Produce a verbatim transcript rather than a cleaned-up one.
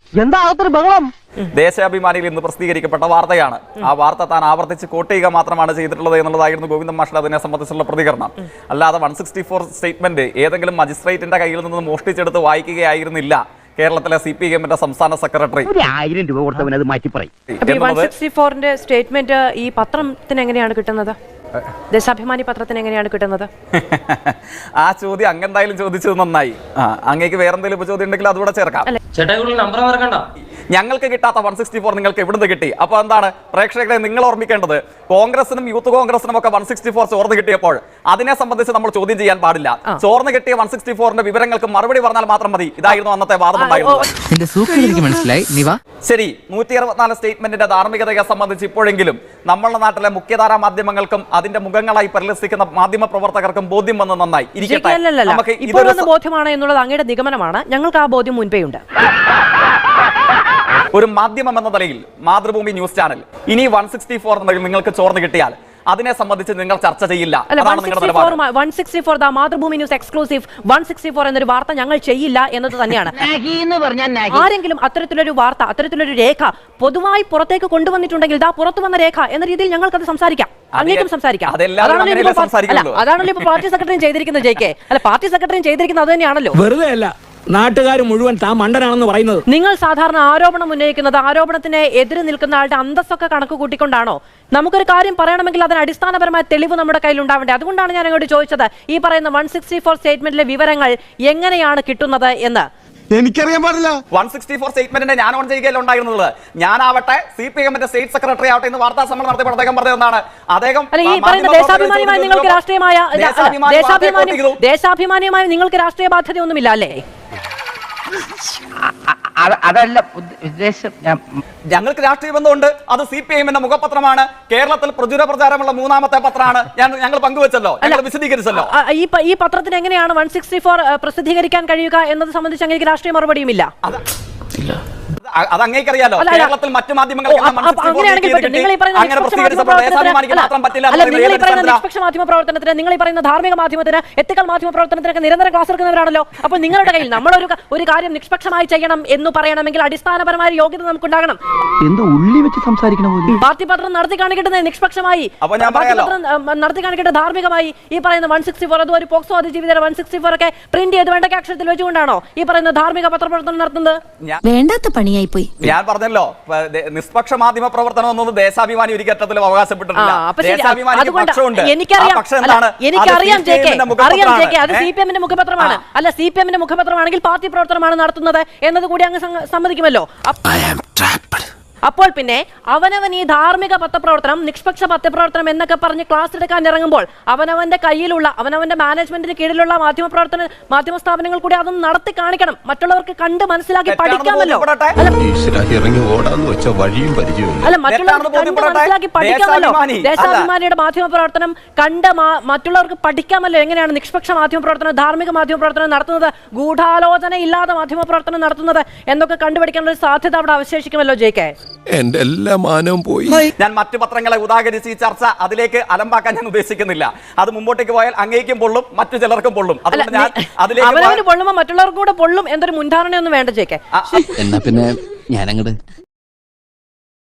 എന്താ അകത്തൊരു ബഹളം? ദേശാഭിമാനിയിൽ ഇന്ന് പ്രസിദ്ധീകരിക്കപ്പെട്ട വാർത്തയാണ്. ആ വാർത്ത താൻ ആവർത്തിച്ച് കോട്ട് ചെയ്യുക മാത്രമാണ് ചെയ്തിട്ടുള്ളത് എന്നുള്ളതായിരുന്നു ഗോവിന്ദൻ മാഷിന്റെ അതിനെ സംബന്ധിച്ചുള്ള പ്രതികരണം. അല്ലാതെ വൺ സിക്സ്റ്റി ഫോർ സ്റ്റേറ്റ്മെന്റ് ഏതെങ്കിലും മജിസ്ട്രേറ്റിന്റെ കയ്യിൽ നിന്ന് മോഷ്ടിച്ചെടുത്ത് വായിക്കുകയായിരുന്നില്ല കേരളത്തിലെ സി പി എമ്മിന്റെ സംസ്ഥാന സെക്രട്ടറി. ആയിരം രൂപ കൊടുത്തവൻ അത് മാറ്റി പറയും. സ്റ്റേറ്റ്മെന്റ് ഈ പത്രത്തിന് എങ്ങനെയാണ് കിട്ടുന്നത്? ദേശാഭിമാനി പത്രത്തിന് എങ്ങനെയാണ് കിട്ടുന്നത്? ആ ചോദ്യം അങ്ങെന്തായാലും ചോദിച്ചത് നന്നായി. ആ അങ്ങേക്ക് വേറെന്തെങ്കിലും ചോദ്യം ഉണ്ടെങ്കിൽ അതുകൂടെ ചേർക്കാം. നമ്പർ മറക്കണ്ട. ഞങ്ങൾക്ക് കിട്ടാത്ത വൺ സിക്സ്റ്റി ഫോർ നിങ്ങൾക്ക് എവിടുന്ന് കിട്ടി? അപ്പൊ എന്താണ് പ്രേക്ഷകരെ നിങ്ങൾ ഓർമ്മിക്കേണ്ടത്? കോൺഗ്രസിനും യൂത്ത് കോൺഗ്രസിനും ഒക്കെ വൺ സിക്സ്റ്റി ഫോർ ചോർന്ന് കിട്ടിയപ്പോൾ അതിനെ സംബന്ധിച്ച് നമ്മൾ ചോദ്യം ചെയ്യാൻ പാടില്ല. ചോർന്ന് കിട്ടിയ വൺ സിക്സ്റ്റി ഫോറിന്റെ വിവരങ്ങൾക്ക് മറുപടി പറഞ്ഞാൽ മാത്രം മതി. ഇതായിരുന്നു അന്നത്തെ വാദം ഉണ്ടായിരുന്നത്. ശരി, നൂറ്റി അറുപത്തിനാല് സ്റ്റേറ്റ്മെന്റിന്റെ ധാർമ്മികതയെ സംബന്ധിച്ച് ഇപ്പോഴെങ്കിലും നമ്മളുടെ നാട്ടിലെ മുഖ്യധാരാ മാധ്യമങ്ങൾക്കും അതിന്റെ മുഖങ്ങളായി പരിലസിക്കുന്ന മാധ്യമ പ്രവർത്തകർക്കും ബോധ്യം വന്ന് നന്നായി ഇരിക്കട്ടെ. നമുക്ക് ഇതൊരു ബോധ്യമാണ് എന്നുള്ളത് അങ്ങയുടെ നിഗമനമാണ്. ഞങ്ങൾക്ക് ആ ബോധ്യം മുൻപേ ഉണ്ട്. ഒരു മാധ്യമം എന്ന നിലയിൽ മാതൃഭൂമി ന്യൂസ് ചാനൽ ഇനി വൺ സിക്സ്റ്റി ഫോർ നിങ്ങൾക്ക് ചോർന്ന് കിട്ടിയാൽ അതിനെ സംബന്ധിച്ച് നിങ്ങൾ ചർച്ച ചെയ്യില്ല. Mathrubhumi news exclusive one sixty four എന്നൊരു വാർത്ത ഞങ്ങൾ ചെയ്യില്ല എന്നത് തന്നെയാണ്. ആരെങ്കിലും അത്തരത്തിലൊരു വാർത്ത, അത്തരത്തിലൊരു രേഖ പൊതുവായി പുറത്തേക്ക് കൊണ്ടുവന്നിട്ടുണ്ടെങ്കിൽ ഇതാ പുറത്തു വന്ന രേഖ എന്ന രീതിയിൽ ഞങ്ങൾക്കത് സംസാരിക്കാം. അങ്ങേക്കും സംസാരിക്കാം. അതാണല്ലോ ഇപ്പൊ പാർട്ടി സെക്രട്ടറിയും ചെയ്തിരിക്കുന്നത്. ജെ കെ അല്ല, പാർട്ടി സെക്രട്ടറിയും ചെയ്തിരിക്കുന്നത് അത് തന്നെയാണല്ലോ. വെറുതെ അല്ല, നാട്ടുകാർ മുഴുവൻ താൻ മണ്ടനാണെന്ന് പറയുന്നത്. നിങ്ങൾ സാധാരണ ആരോപണം ഉന്നയിക്കുന്നത് ആരോപണത്തിന് എതിരെ നിൽക്കുന്ന ആളുടെ അന്തസ്സൊക്കെ കണക്ക് കൂട്ടിക്കൊണ്ടാണോ? നമുക്കൊരു കാര്യം പറയണമെങ്കിൽ അതിന് അടിസ്ഥാനപരമായ തെളിവ് നമ്മുടെ കയ്യിൽ ഉണ്ടാവേണ്ടത്. അതുകൊണ്ടാണ് ഞാൻ അങ്ങോട്ട് ചോദിച്ചത് ഈ പറയുന്ന വൺ സിക്സ്റ്റി ഫോർ സ്റ്റേറ്റ്മെന്റിലെ വിവരങ്ങൾ എങ്ങനെയാണ് കിട്ടുന്നത് എന്ന്. എനിക്കറിയാൻ പാടില്ല. വൺ സിക്സ്റ്റി ഫോർ സ്റ്റേറ്റ്മെന്റിന്റെ ഞാൻ ഓൺ ചെയ്യുകയല്ല ഉണ്ടായിരുന്നത്. ഞാനാവട്ടെ സി പി എമ്മിന്റെ സ്റ്റേറ്റ് സെക്രട്ടറി ആവട്ടെ ഇന്ന് വാർത്താ സമ്മേളനം നടത്തിയപ്പോൾ അദ്ദേഹം പറഞ്ഞതാണ്. അദ്ദേഹം ഈ പറയുന്ന ദേശാഭിമാനിയുമായി നിങ്ങൾക്ക് രാഷ്ട്രീയമായ ദേശാഭിമാനിയുമായി നിങ്ങൾക്ക് രാഷ്ട്രീയ ബാധ്യതയൊന്നുമില്ല അല്ലേ? അതല്ല ഉദ്ദേശം. ഞങ്ങൾക്ക് രാഷ്ട്രീയ ബന്ധമുണ്ട്. അത് സി പി എമ്മിന്റെ മുഖപത്രമാണ്. കേരളത്തിൽ പ്രചുര പ്രചാരമുള്ള മൂന്നാമത്തെ പത്രമാണ്. ഞങ്ങൾ പങ്കുവച്ചല്ലോ, ഞങ്ങൾ വിശദീകരിച്ചല്ലോ. ഈ പത്രത്തിന് എങ്ങനെയാണ് വൺ സിക്സ്റ്റി ഫോർ പ്രസിദ്ധീകരിക്കാൻ കഴിയുക എന്നത് സംബന്ധിച്ച് അങ്ങനെ രാഷ്ട്രീയ മറുപടിയുമില്ല. അത് അങ്ങേക്കറിയാലോ. കേരളത്തിൽ മറ്റു മാധ്യമങ്ങൾ നിഷ്പക്ഷ മാധ്യമ പ്രവർത്തനത്തിന്, നിങ്ങൾ ഈ പറയുന്ന ധാർമ്മിക മാധ്യമത്തിന്, എത്തിക്കൽ മാധ്യമ പ്രവർത്തനത്തിനൊക്കെ നിരന്തരം ക്ലാസ് എടുക്കുന്നവരാണല്ലോ. അപ്പോൾ നിങ്ങളുടെ കയ്യിൽ നമ്മളൊരു ഒരു കാര്യം നിഷ്പക്ഷമായി ചെയ്യണം എന്ന് പറയണമെങ്കിൽ അടിസ്ഥാനപരമായ യോഗ്യത നമുക്കുണ്ടാകണം. എന്ത് ഉള്ളി വെച്ച് സംസാരിക്കണ പോലെ പാർട്ടി പത്രം നടത്തി കാണിക്കേണ്ടത് നിഷ്പക്ഷമായി, നടത്തി കാണിക്കേണ്ടത് ധാർമ്മികമായി. ഈ പറയുന്ന വൺ സിക്സ്റ്റി ഫോർ അതും ഒരു പോക്സോ അതിജീവിതരെ വൺ സിക്സ്റ്റി ഫോർ ഒക്കെ പ്രിന്റ് ചെയ്ത് വേണ്ട അക്ഷരത്തിൽ വെച്ചുകൊണ്ടാണോ ഈ പറയുന്ന ധാർമ്മിക പത്രപ്രവർത്തനം നടത്തുന്നത്? വേണ്ടാത്ത പണിയായി പോയി. ഞാൻ പറഞ്ഞല്ലോ, നിഷ്പക്ഷ മാധ്യമ പ്രവർത്തനം എന്നൊന്നും ദേശാഭിമാനി ഒരു ഘട്ടത്തിലും അവകാശപ്പെട്ടിട്ടില്ല. എനിക്കറിയാം ജെ കെ, അറിയാം ജെ കെ, അത് സി പി എമ്മിന്റെ മുഖപത്രമാണ്. അല്ല, സി പി എമ്മിന്റെ മുഖപത്രമാണെങ്കിൽ പാർട്ടി പ്രവർത്തനമാണ് നടത്തുന്നത് എന്നത് കൂടി അങ്ങ് സമ്മതിക്കുമല്ലോ. അപ്പോൾ പിന്നെ അവനവൻ ഈ ധാർമ്മിക പത്രപ്രവർത്തനം, നിഷ്പക്ഷ പത്രപ്രവർത്തനം എന്നൊക്കെ പറഞ്ഞ് ക്ലാസ് എടുക്കാൻ ഇറങ്ങുമ്പോൾ അവനവന്റെ കയ്യിലുള്ള, അവനവന്റെ മാനേജ്മെന്റിന് കീഴിലുള്ള മാധ്യമ പ്രവർത്തന മാധ്യമ സ്ഥാപനങ്ങൾ കൂടി അതൊന്നും നടത്തി കാണിക്കണം. മറ്റുള്ളവർക്ക് കണ്ട് മനസ്സിലാക്കി പഠിക്കാമല്ലോ. അല്ല, മറ്റുള്ളവർക്ക് കണ്ട് മനസ്സിലാക്കി പഠിക്കാമല്ലോ. ദേശാഭിമാനിയുടെ മാധ്യമ പ്രവർത്തനം കണ്ട് മറ്റുള്ളവർക്ക് പഠിക്കാമല്ലോ എങ്ങനെയാണ് നിഷ്പക്ഷ മാധ്യമ പ്രവർത്തനം, ധാർമ്മിക മാധ്യമ പ്രവർത്തനം നടത്തുന്നത്, ഗൂഢാലോചന ഇല്ലാതെ മാധ്യമ പ്രവർത്തനം നടത്തുന്നത് എന്നൊക്കെ കണ്ടുപിടിക്കാനുള്ള ഒരു സാധ്യത അവിടെ അവശേഷിക്കുമല്ലോ ജെ കെ. എന്റെ എല്ലാ മാനവും പോയി. ഞാൻ മറ്റു പത്രങ്ങളെ ഉദാഹരിച്ച് ഈ ചർച്ച അതിലേക്ക് അലമ്പാക്കാൻ ഞാൻ ഉദ്ദേശിക്കുന്നില്ല. അത് മുമ്പോട്ടേക്ക് പോയാൽ അങ്ങേക്കും പൊള്ളും, മറ്റു ചിലർക്കും പൊള്ളും. അവനവന് പൊള്ളുമ്പോ മറ്റുള്ളവർക്കും കൂടെ പൊള്ളും എന്നൊരു മുൻധാരണയൊന്നും വേണ്ട ചേക്കെ. എന്നാ പിന്നെ ഞാനങ്ങട്